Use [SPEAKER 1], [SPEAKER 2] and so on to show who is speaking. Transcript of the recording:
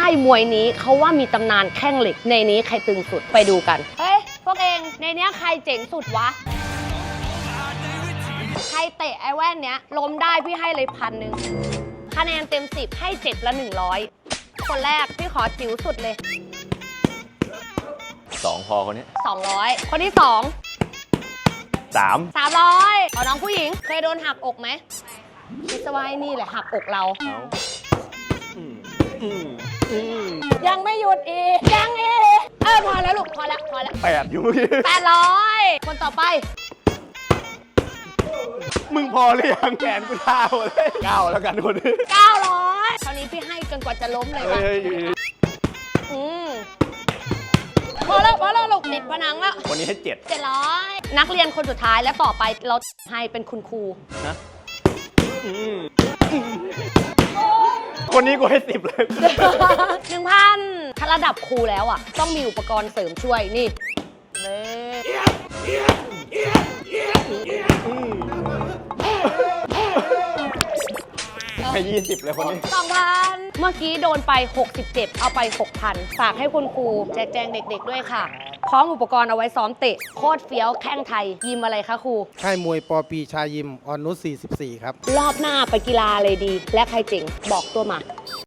[SPEAKER 1] ายมวยนี้เขาว่ามีตำนานแข้งเหล็กในนี้ใครตึงสุดไปดูกันเฮ้ยพวกเองในนี้ใครเจ๋งสุดวะใครเตะไอ้แว่นเนี้ยล้มได้พี่ให้เลย1,000คะแนนเต็ม10ให้7ละ100คนแรกพี่ขอจิ๋วสุดเลย
[SPEAKER 2] 2พอคนนี้
[SPEAKER 1] 200คนที่2
[SPEAKER 2] 3
[SPEAKER 1] 300เอาน้องผู้หญิงเคยโดนหักอกไหมคิดว่านี่แหละหักอกเรายังไม่หยุดอีกยังอีกพอแล้วลูกพอแล้ว
[SPEAKER 2] 8อยู่เมื่อกี้
[SPEAKER 1] 800คนต่อไป
[SPEAKER 2] มึงพอหรือยังแขนกูท่าหมดเลย9แล้วกันคนนี้
[SPEAKER 1] 900คราวนี้พี่ให้จนกว่าจะล้มเลยป่ะพอแล้วลูกติดผนังแล้ว
[SPEAKER 2] วันนี้ให้
[SPEAKER 1] 700นักเรียนคนสุดท้ายและต่อไปเราให้เป็นคุณครู
[SPEAKER 2] นะคนนี้กูให้10เลย
[SPEAKER 1] 1,000ถ้าระดับครูแล้วอ่ะต้องมีอุปกรณ์เสริมช่วยนี่
[SPEAKER 2] ให้20เลยคนนี้
[SPEAKER 1] 2,000เมื่อกี้โดนไป67เอาไป 6,000ฝากให้คุณครูแจกเด็กๆด้วยค่ะพร้อมอุปกรณ์เอาไว้ซ้อมเตะโคตรเฟี้ยวแข้งไทยยิมอะไรคะครู
[SPEAKER 3] ค่ายมวยปอปีชายิมออนนุช44ครับ
[SPEAKER 1] รอบหน้าไปกีฬาเลยดีและใครเจ๋งบอกตัวมา